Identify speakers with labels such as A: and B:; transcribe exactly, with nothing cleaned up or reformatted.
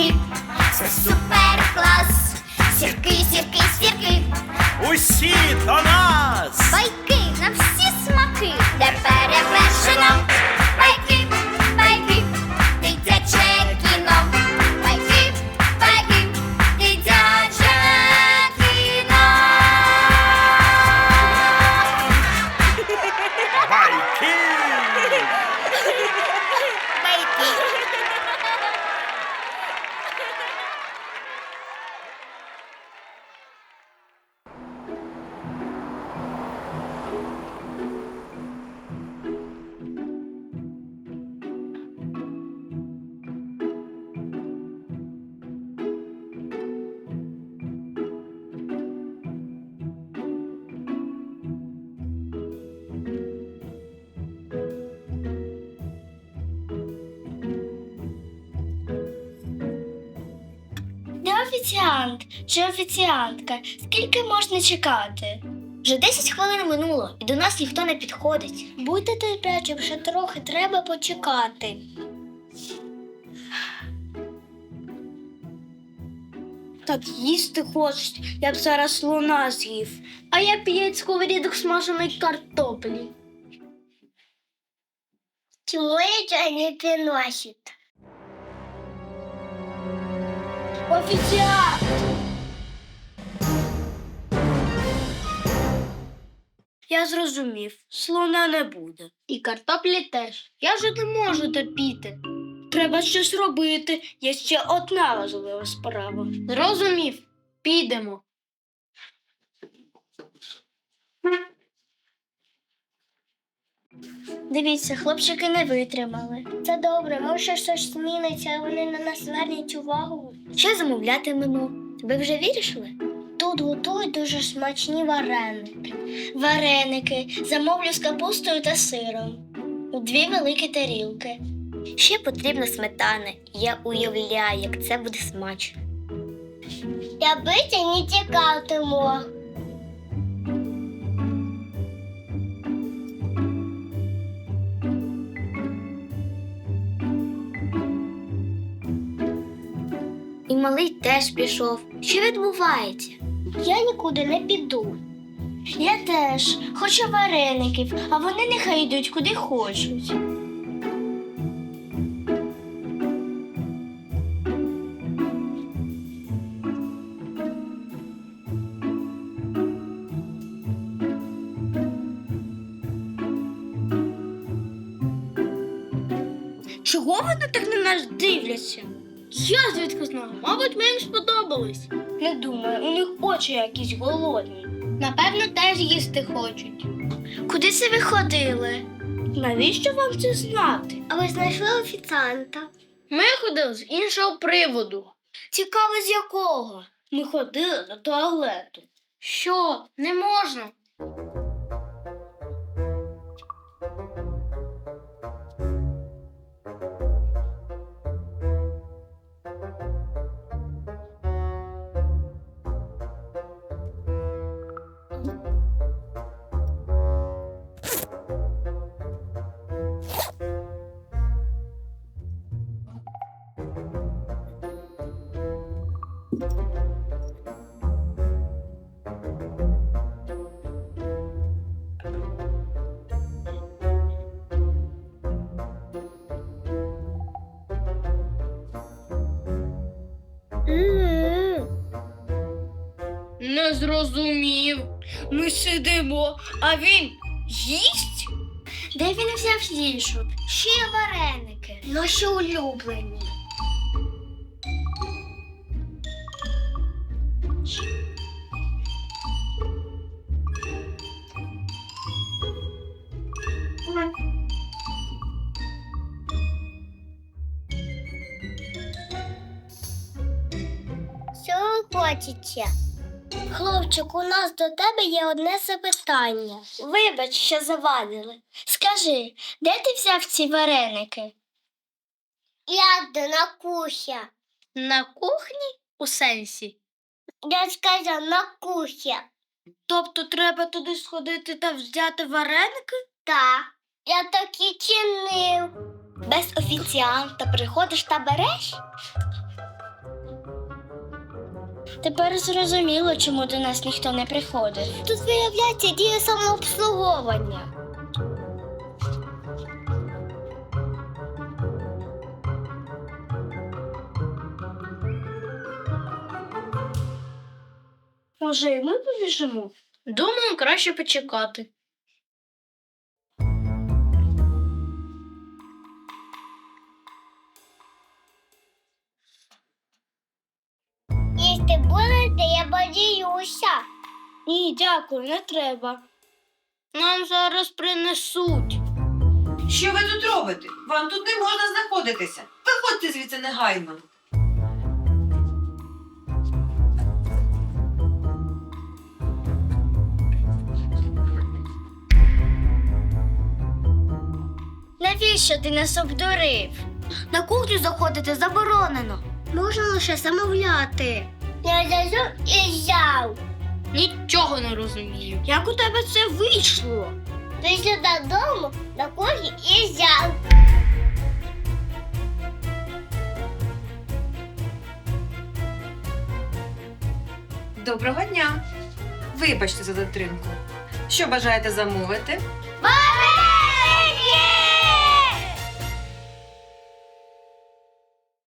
A: сірки, це супер клас. Сірки, сірки, сірки,
B: Усі до нас!
A: байки на всі смаки, де перевершено. Байки, байки, дитяче кіно. Байки, байки, дитяче кіно.
B: Байки!
C: Де офіціант чи офіціантка? Скільки можна чекати?
D: Вже десять хвилин минуло, і до нас ніхто не підходить.
C: Будьте терплячим, ще трохи треба почекати. Так їсти хочуть, я б зараз слона з'їв. А я п'ять сковорідок смаженої картоплі.
D: Чому нічого не приносить?
C: Офіціант! Я зрозумів, слона не буде. І картоплі теж. Я вже не можу терпіти. Треба щось робити. Є ще одна важлива справа. Зрозумів. Підемо. Дивіться, хлопчики не витримали. Це добре, може щось зміниться, а вони на нас звернуть увагу.
D: Що замовлятимемо? Ви вже вирішили?
C: Тут готують дуже смачні вареники. Вареники замовлю з капустою та сиром. У дві великі тарілки.
D: Ще потрібна сметана. Я уявляю, як це буде смачно.
C: Я бити не тікатиму.
D: І малий теж пішов. Що відбувається?
C: Я нікуди не піду. Я теж хочу вареників, а вони нехай йдуть куди хочуть. Чого вони так на нас дивляться? Я звідки знаю? Мабуть, ми їм сподобались. Не думаю, у них очі якісь голодні. Напевно, теж їсти хочуть. Куди це ви ходили? Навіщо вам це знати?
D: А ви знайшли офіціанта?
C: Ми ходили з іншого приводу. Цікаво, з якого? Ми ходили до туалету. Що? Не можна? Не зрозумів. Ми сидимо, а він їсть? Де він взяв їжу? Ще вареники. Наші улюблені.
D: Що ви хочете?
C: Хлопчик, у нас до тебе є одне запитання. Вибач, що завадили. Скажи, де ти взяв ці вареники?
D: Я де на кухні.
C: На кухні? У сенсі?
D: Я сказав на кухні.
C: Тобто треба туди сходити та взяти вареники?
D: Так, я так і чинив. Без офіціанта приходиш та береш?
C: Тепер зрозуміло, чому до нас ніхто не приходить. Тут виявляється діє самообслуговування. Може, і ми побіжимо? Думаю, краще почекати.
A: Їсти будете, я боюся.
C: Ні, дякую, не треба. Нам зараз принесуть.
E: Що ви тут робите? Вам тут не можна знаходитися. Виходьте звідси негайно.
C: Навіщо ти нас обдурив? На кухню заходити заборонено. Можна лише замовляти.
A: Я зайшов і взяв.
C: Нічого не розумію. Як у тебе це вийшло?
A: Прийшов додому, на кухні і взяв.
E: Доброго дня. Вибачте за затримку. Що бажаєте замовити?